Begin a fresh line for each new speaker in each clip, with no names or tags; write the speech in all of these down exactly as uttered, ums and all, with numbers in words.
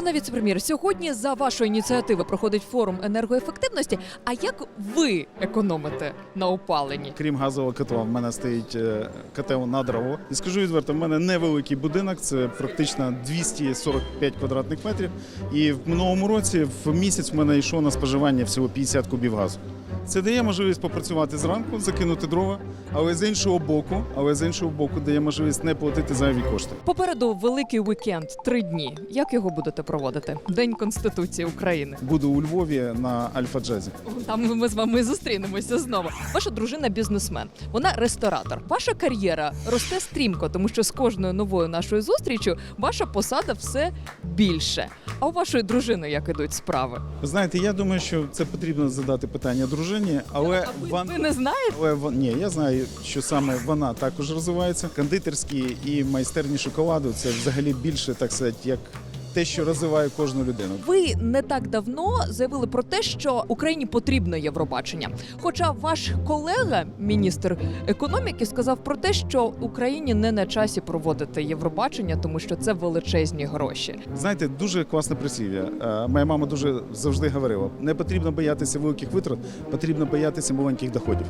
Пане віце-прем'єр, сьогодні за вашою ініціативою проходить форум енергоефективності. А як ви економите на опаленні?
Крім газового котла, в мене стоїть е, котел на дрова. І скажу відверто, в мене невеликий будинок, це практично двісті сорок п'ять квадратних метрів. І в минулому році в місяць в мене йшло на споживання всього п'ятдесят кубів газу. Це дає можливість попрацювати зранку, закинути дрова, але з іншого боку, але з іншого боку дає можливість не платити зайві кошти.
Попереду великий вікенд, три дні. Як його будете проводити? День Конституції України.
Буду у Львові на Альфа-Джазі.
Там ми з вами зустрінемося знову. Ваша дружина бізнесмен, вона ресторатор. Ваша кар'єра росте стрімко, тому що з кожною новою нашою зустрічю ваша посада все більше. А у вашої дружини як ідуть справи?
Ви знаєте, я думаю, що це потрібно задати питання дружині, але
А ви,
вон-
ви не знаєте?
Але вон- ні, я знаю, що саме вона також розвивається. Кондитерські і майстерні шоколаду це взагалі більше, так сказати, як те, що розвиває кожну людину.
Ви не так давно заявили про те, що Україні потрібно Євробачення. Хоча ваш колега, міністр економіки, сказав про те, що Україні не на часі проводити Євробачення, тому що це величезні гроші.
Знаєте, дуже класне прислів'я. Е, Моя мама дуже завжди говорила: не потрібно боятися великих витрат, потрібно боятися маленьких доходів.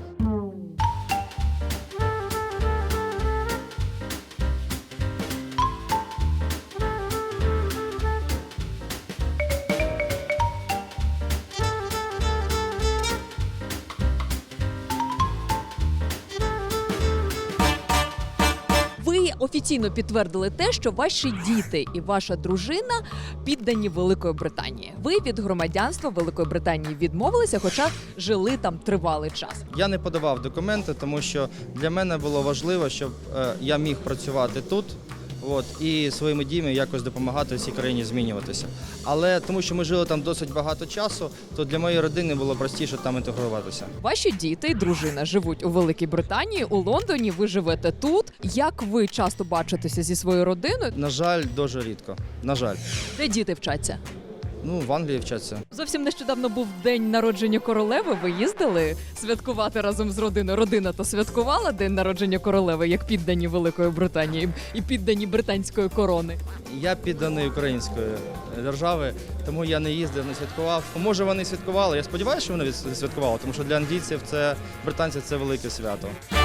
Ви офіційно підтвердили те, що ваші діти і ваша дружина піддані Великої Британії. Ви від громадянства Великої Британії відмовилися, хоча жили там тривалий час.
Я не подавав документи, тому що для мене було важливо, щоб е, я міг працювати тут. От, і своїми діями якось допомагати цій країні змінюватися. Але тому, що ми жили там досить багато часу, то для моєї родини було простіше там інтегруватися.
Ваші діти і дружина живуть у Великій Британії, у Лондоні, ви живете тут. Як ви часто бачитеся зі своєю родиною?
На жаль, дуже рідко. На жаль.
Де діти вчаться?
Ну, в Англії вчаться.
Зовсім нещодавно був день народження королеви. Ви їздили святкувати разом з родиною. Родина то святкувала день народження королеви, як піддані Великої Британії і піддані британської корони.
Я підданий української держави, тому я не їздив, не святкував. Може, вони святкували. Я сподіваюся, що вони святкували, тому що для англійців це британців це велике свято.